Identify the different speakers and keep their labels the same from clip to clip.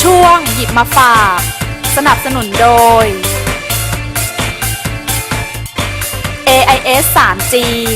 Speaker 1: ช่วงหยิบมาฝากสนับสนุนโดย AIS 3G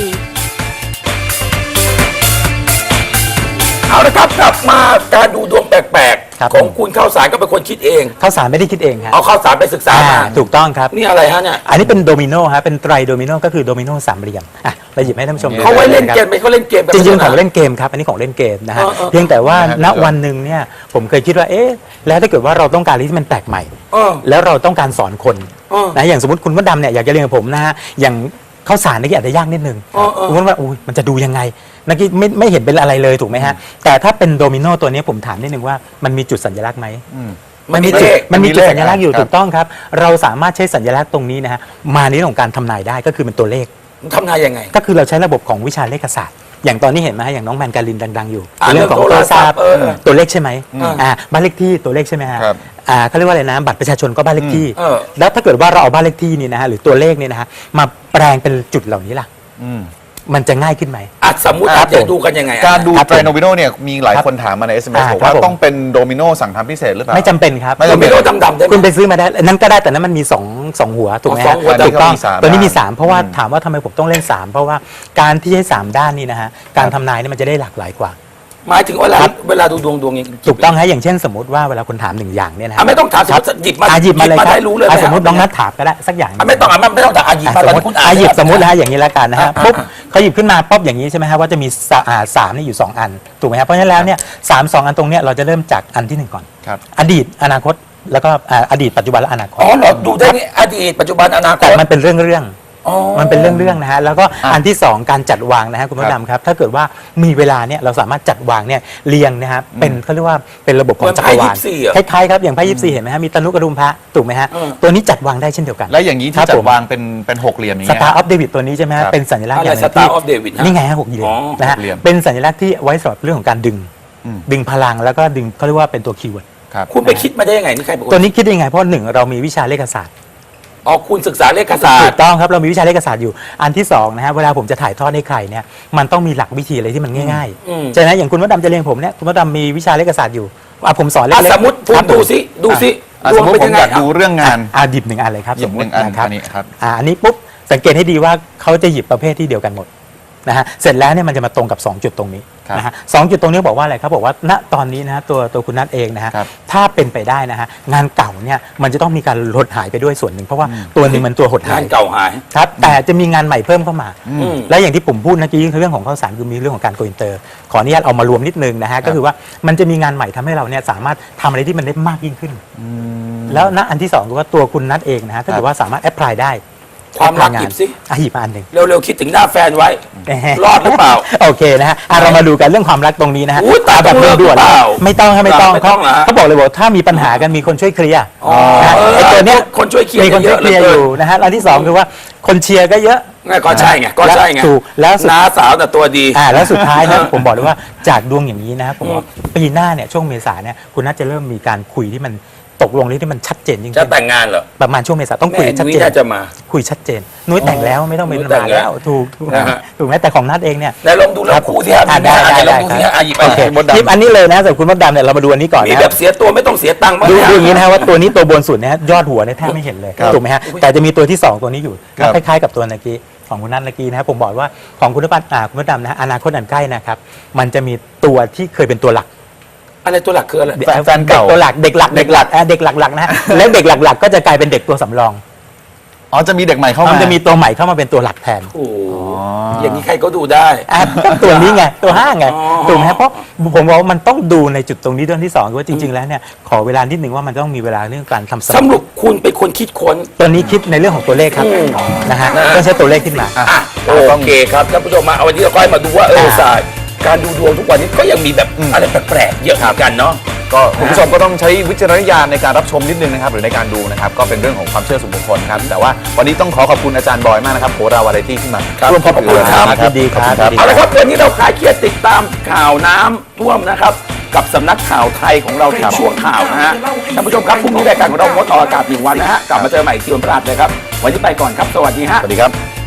Speaker 2: เอาละครับกลับมาการดูดวงแปลก
Speaker 3: ครับ
Speaker 2: ๆของคุณข้าวสารก็เป็นคนคิดเอง
Speaker 3: ข้าวสารไม่ได้คิดเองครับ
Speaker 2: เอาข้าวสารไปศึกษามา
Speaker 3: ถูกต้องครับ
Speaker 2: นี่อะไรฮะเนี่ย
Speaker 3: อันนี้เป็นโดมิโนฮะเป็นไตรโดมิโนก็คือโดมิโนสามเหลี่ยมอ่ะเราหยิบให้ท่านผู้ชมดู
Speaker 2: เขาไว้เล่นเกม
Speaker 3: ะ
Speaker 2: ไหมเขาเล่นเกม
Speaker 3: ครับจริงๆของเล่นเกมครับอันนี้ของเล่นเกมนะฮะ
Speaker 2: เออ
Speaker 3: เพียงแต่ว่าณวันหนึ่งเนี่ยผมเคยคิดว่าเอ๊ะแล้วถ้าเกิดว่าเราต้องการอะไรที่มันแปลกใหม่
Speaker 2: เออ
Speaker 3: แล้วเราต้องการสอนคน
Speaker 2: เออ
Speaker 3: นะอย่างสมมติคุณมดดำเนี่ยอยากจะเรียนกับผมนะฮะอย่างข้าวสารนี่อาจจะยากนิดนึง
Speaker 2: เออเออ
Speaker 3: คุณมดว่าอุ้ยมันจะดูยังไงนักกี้ไม่เห็นเป็นอะไรเลยถูกไหมฮะแต่ถ้าเป็นโดมิโนตัวนี้ผมถามนิดนึงว่ามันมีจุดสัญลักษณ์ไหม
Speaker 2: มันมี
Speaker 3: จุ
Speaker 2: เล
Speaker 3: ด
Speaker 2: ข
Speaker 3: มันมีจุดสัญลักษณ์อยู่
Speaker 4: ครับ
Speaker 3: ถูกต้องครับ เราสามารถใช้สัญลักษณ์ตรงนี้นะฮะมาในเรื่องของการทำนายได้ก็คือเป็นตัวเลข
Speaker 2: ทำนายยังไง
Speaker 3: ก็คือเราใช้ระบบของวิชาเลขศาสตร์ อย่างตอนนี้เห็นไหมฮะอย่างน้องแมนการินดังๆอยู่
Speaker 2: อ่า
Speaker 3: เรื่องของ
Speaker 2: เรื่
Speaker 3: โท
Speaker 2: อง
Speaker 3: รศัพท์
Speaker 2: โทรศัพท์เออ
Speaker 3: ตัวเลขใช่ไหม
Speaker 2: อืม
Speaker 3: บ้านเลขที่ตัวเลขใช่ไหมฮะ
Speaker 4: ครับ
Speaker 3: เขาเรียกว่าอะไรนะบัตรประชาชนก็บ้านเลขที่
Speaker 2: เออ
Speaker 3: แล้วถ้าเกิดว่าเราเอาบ้านเลขที่นี่นะฮะหรือตัวเลขเนี่ยนะฮะมาแปลงเป็นจุดเหล่านี้ล่ะ
Speaker 4: อืม
Speaker 3: มันจะง่ายขึ้นไหม
Speaker 2: อ่ะสมมุติ
Speaker 3: ครับ
Speaker 2: จะดูกันยังไงอะ
Speaker 4: การดู
Speaker 3: ครับ
Speaker 4: ไตรโนมิโนเนี่ยมีหลายคนถามมาใน SMS บอก
Speaker 3: ครั
Speaker 4: ว่า
Speaker 3: บผม
Speaker 4: ต้องเป็นโดมิโนสั่งทำพิเศษหรือเปล่า
Speaker 3: ไม่จำเป็นครับ
Speaker 4: ไม่
Speaker 2: โด
Speaker 4: จำ
Speaker 2: มิ
Speaker 4: เป็น
Speaker 2: โนดำๆได้ไหม
Speaker 3: คุณไปซื้อมาได้นั่นก็ได้แต่นั้นมันมีสองหัวถูกไหม
Speaker 2: สอ
Speaker 3: ฮะ
Speaker 2: งหัว
Speaker 3: ถูกต้อง
Speaker 4: แต่นี่ก็มีสาม
Speaker 3: ตัวนี้มี
Speaker 4: ด้าน
Speaker 3: 3 เพราะว่าถามว่าทำไมผมต้องเล่น 3 เพราะว่าการที่ให้ 3 ด้านนี่นะฮะการทำนายนี่มันจะได้หลากหลายกว่า
Speaker 2: หมายถึงเวลาดูดวงยัง
Speaker 3: ถูกต้องฮะอย่างเช่นสมมติว่าเวลาคุณถาม1อย่างเนี่ยนะ
Speaker 2: อ่ะ
Speaker 3: ฮะ
Speaker 2: ไม่ต้องถามสมมติหยิบมา
Speaker 3: หยิบมาเลยครับ
Speaker 2: ได้รู้เลย
Speaker 3: สมมติน้องนัทถามก็ได้สักอย่าง
Speaker 2: อ่ะไม่ต้องไม่ต้องถามหยิบมา
Speaker 3: สม
Speaker 2: ตอน
Speaker 3: ม
Speaker 2: นี้
Speaker 3: ติ
Speaker 2: คุณอ่าน
Speaker 3: หยิบ
Speaker 2: แล้ว
Speaker 3: สมมตินะฮะอย่างนี้แล้วกันนะฮะ
Speaker 2: อ่ะ
Speaker 3: ปุ๊บเขาหยิบขึ้นมาปุ๊บอย่างนี้ใช่ไหมฮะว่าจะมีสามนี่อยู่ 2 อันถูกไหมฮะเพราะฉะนั้นแล้วเนี่ยสองอันตรงเนี้ยเราจะเริ่มจากอันที่ 1 ก่อน
Speaker 4: ครับ
Speaker 3: อดีตอนาคตแล้วก็อดีตปัจจุบันและอนาคต
Speaker 2: อ๋อเหรอดูได้นี่อดีตปัจจุบันอนาค
Speaker 3: แต่
Speaker 2: ต
Speaker 3: มันเป็นเรื่อง
Speaker 2: อ๋อ
Speaker 3: มันเป็นเรื่องนะฮะแล้วก็อันที่ 2 การจัดวางนะฮะคุณมดดำครับถ้าเกิดว่ามีเวลาเนี่ยเราสามารถจัดวางเนี่ยเรียงนะฮะเป็นเขาเรียกว่าเป็นระบบของจักรวาล
Speaker 2: เหมือนไพ่24อะ
Speaker 3: คล้ายๆครับอย่างไพ่24เห็นไหมฮะมีตนุกระดุมพระถูกไหมฮะ
Speaker 2: เออ
Speaker 3: ตัวนี้จัดวางได้เช่นเดียวกัน
Speaker 4: แล้วอย่างนี้
Speaker 3: ครั
Speaker 4: ที่
Speaker 3: บ
Speaker 4: จั
Speaker 3: ผ
Speaker 4: ด
Speaker 3: ม
Speaker 4: วางเป็นหกเหลี่ยมอย่าง
Speaker 3: ส
Speaker 4: เงี้ย
Speaker 3: ตาร์ออฟเดวิดตัวนี้ใช่ไหม
Speaker 4: ค
Speaker 3: ฮะ
Speaker 4: รับ
Speaker 3: เป็นสัญลักษณ์
Speaker 2: อะไร
Speaker 3: อย่างหนึ่ง
Speaker 2: Star
Speaker 3: ที่
Speaker 2: of David ฮะ
Speaker 3: นี่ไงฮะ6 เหลี่ยม
Speaker 2: อ๋อ
Speaker 3: นะฮะ
Speaker 4: หกเหลี่ยม
Speaker 3: เป็นสัญลักษณ์ที่ไว้สำหรับเรื่องของการดึง
Speaker 4: อืม
Speaker 3: ดึงพลังแล้วก็ดึงเขาเรียกว่าเป็นตัวคีย์เวิร์ด
Speaker 4: ครับ
Speaker 2: คุณไปคิดมาได้ยังไงนี่ใครบอก
Speaker 3: ตัวนี้คิดได้ยังไงเพราะหนึ่งเรามีวิชาเลขศาสตร์
Speaker 2: อ๋อคุณศึกษาเลขศาส
Speaker 3: ถู
Speaker 2: ต
Speaker 3: ก
Speaker 2: ร์
Speaker 3: ต้องครับเรามีวิชาเลขศาสตร์อยู่อันที่2นะฮะเวลาผมจะถ่ายทอดให้ใครเนี่ยมันต้องมีหลักวิธีอะไรที่มันง่าย
Speaker 2: อืม
Speaker 3: ๆใช่ไหมอย่างคุณมดดำจะเรียนผมเนี่ยคุณมดดำมีวิชาเลขศาสตร์อยู่ผมสอนเลข
Speaker 2: อ่ะ
Speaker 3: ๆ
Speaker 2: สมมติพู
Speaker 3: ค
Speaker 2: ด
Speaker 3: รับ
Speaker 2: ดู
Speaker 3: ผม
Speaker 2: สิดูสิ
Speaker 4: สมมติ
Speaker 2: เป็น
Speaker 4: ผม
Speaker 2: ยังไง
Speaker 4: อยากดูเรื่องงาน
Speaker 3: หยิบ1 อันเลยครับ
Speaker 4: หยิบ1 อัน
Speaker 3: นะครับ
Speaker 4: อันนี้ครับ
Speaker 3: อันนี้ปุ๊บสังเกตให้ดีว่าเขาจะหยิบประเภทที่เดียวกันหมดนะฮะเสร็จแล้วเนี่ยมันจะมาตรงกับ 2 จุดตรงนี้
Speaker 4: ครับ
Speaker 3: นะฮะสองจุดตรงนี้บอกว่าอะไรครับบอกว่าณตอนนี้นะฮะตัวคุณนัทเองนะฮะ
Speaker 4: ครับ
Speaker 3: ถ้าเป็นไปได้นะฮะงานเก่าเนี่ยมันจะต้องมีการหดหายไปด้วยส่วนหนึ่งเพราะว่าตัวหนึ่งมันตัวหดหาง
Speaker 2: าย นเก่าหาย
Speaker 3: ครับแต่จะมีงานใหม่เพิ่มเข้ามา
Speaker 2: อืม
Speaker 3: และอย่างที่ผมพูดเมื่อกี้คือเรื่องของข้าวสารคือมีเรื่องของการโกอินเตอร์ขออนุญาตเอามารวมนิดนึงนะฮะก็คือว่ามันจะมีงานใหม่ทำให้เราเนี่ยสามารถทำอะไรที่มันได้มากยิ่งขึ้น แล้วณอันที่2คือว่าตัวคุณนัทเองนะฮะถ้าเกิดว่าสามารถแอพพลายได้
Speaker 2: ความรัก
Speaker 3: apply
Speaker 2: หยิบสิ
Speaker 3: หยิบมาอันหนึ่ง
Speaker 2: เร็วๆคิดถึงหน้าแฟนไว้ รอดหรือเปล่า
Speaker 3: โอเคนะฮะเรามาดูกันเรื่องความรักตรงนี้นะฮะ
Speaker 2: อุ๊ยตาย
Speaker 3: แบบ
Speaker 2: ต้องเลิก
Speaker 3: ด่วน
Speaker 2: หรือเปล่า
Speaker 3: ๆไม่ต้องครับไม่ต้อง
Speaker 2: ไม่ต้องเหรอฮะ
Speaker 3: เขาบอกเลยบอกถ้ามีปัญหากันมีคนช่วยเคลียร์
Speaker 2: อ๋อ
Speaker 3: นะฮะไอ้ตัวเนี้ย
Speaker 2: คนช่วยเคลียร์
Speaker 3: มีคนช่วยเคลียร์
Speaker 2: เยอะเหลือเกิน
Speaker 3: อยู่นะฮะอันที่2คือว่าคนเชียร์ก็เยอะ
Speaker 2: ก็ใช่ไงก็ใช่ไง
Speaker 3: ถูกแล้วสุด
Speaker 2: น้าสาวแต่ตัวดี
Speaker 3: แล้วสุดท้ายนะผมบอกเลยว่าจากดวงอย่างนี้นะผมว่าปีหน้าเนี่ยช่วงเมษาเนี่ยคุณน่าจะเริ่มมีการคุยที่มันตกลงที่มันชัดเจนจริง
Speaker 2: จะแต่งงานเหรอ
Speaker 3: ประมาณช่วงเมษาต้องคุย
Speaker 2: แม่
Speaker 3: ชัด
Speaker 2: นุ้ย
Speaker 3: เจน
Speaker 2: น่าจะมา
Speaker 3: คุยชัดเจนนุ้ยแต่งแล้วไม่ต้องเป็น
Speaker 2: นุ้ยแต่ง
Speaker 3: มา
Speaker 2: แล้
Speaker 3: แล้ว วถูก
Speaker 2: นะฮะ
Speaker 3: ถูกไหมแต่ของนัดเองเนี่ย
Speaker 2: แต่ลองดูแล้วคู่ที่ฮะ
Speaker 3: ได้
Speaker 2: ลองดูที่ฮะหยิบไป
Speaker 3: โอเค
Speaker 4: มดดำ
Speaker 3: คลิปอันนี้เลยนะสำหรับคุณมดดำเนี่ยเรามาดูอันนี้ก่อน
Speaker 2: มี
Speaker 3: นะ
Speaker 2: แบบเสียตัวไม่ต้องเสียตังค์บ้าง
Speaker 3: ดู
Speaker 2: ไหมฮะ
Speaker 3: อย่างนี้นะฮะว่าตัวนี้ตัวบนสุดเนี่ยยอดหัวเนี่ยแทบไม่เห็นเลย
Speaker 4: ครับ
Speaker 3: ถูกไหมฮะแต่จะมีตัวที่ 2 ตัวนี้อยู่
Speaker 4: ครับ
Speaker 3: คล้ายๆกับตัวเมื่อกี้ของคุณนัทเมื่อกี้นะครับผมบอกว่าของคุณคุณมดดำนะฮะอนาคตอันใกล้นะครับมันจะมีตัวที่เคยเป็นตัวหลัก
Speaker 2: อะไรตัวหลักคืออะไร
Speaker 4: แฟนเก่า
Speaker 3: ตัวหลักเด็กหลักนะฮะแล้วเด็กหลักๆก็จะกลายเป็นเด็กตัวสำรอง
Speaker 4: อ๋อจะมีเด็กใหม่เข้ามา
Speaker 3: มันจะมีตัวใหม่เข้ามาเป็นตัวหลักแทน
Speaker 2: โอ้โห
Speaker 4: อ๋อ
Speaker 2: อ
Speaker 4: อย่าง
Speaker 2: นี้ใครก็ดูได้
Speaker 3: ก็ตัวนี้ไงตัวห้าไง
Speaker 2: อ๋อ
Speaker 3: ถูกไหมฮะเพราะผมบอกว่ามันต้องดูในจุดตรงนี้เรื่องที่2คือว่าจริง ๆ แล้วเนี่ยขอเวลานิดหนึ่งว่ามันต้องมีเวลาเรื่องการทำส
Speaker 2: ส
Speaker 3: รุป
Speaker 2: รุปคุณเป็นคนคิดค้น
Speaker 3: ตัวนี้คิดในเรื่องของตัวเลขครับนะฮะต้องใช้ตัวเลขขึ้นมา
Speaker 2: อ่ะโอเคครับท่านผู้ชมมาเอาวันนี้เราก็ให้มาดูว่าศาสตร์การดูดวงทุกวันนี้ก็ยังมีแบบอะไรแปลกๆเยอะเหมือนกันเนาะ
Speaker 4: ก็คุณผู้ชมก็ต้องใช้วิจารณญาณในการรับชมนิดนึงนะครับหรือในการดูนะครับก็เป็นเรื่องของความเชื่อส่วนบุคคลครับแต่ว่าวันนี้ต้องขอบคุณอาจารย์บอยมากนะครับโหราวาไรตี้ที่มา
Speaker 2: ครับ
Speaker 4: ร่วมพูดคุย
Speaker 2: ขอบคุณครับ
Speaker 4: นะ
Speaker 3: ยินดีครับ
Speaker 4: ขอณ
Speaker 2: เอาละครับวันนี้เราคลายเครียดติดตามข่าวน้ำท่วมนะครับ กับสำนักข่าวไทยของเราในช่วงข่าวนะฮะท่านผู้ชมครับพรุ่งนี้รายการของเรางดออกอากาศ1 วันนะฮะกลับมาเจอใหม่อีกทีวันพฤหัสเลยครับวันนี้ไปก่อนครับสวัสดีฮะ
Speaker 4: สวัสดีครับ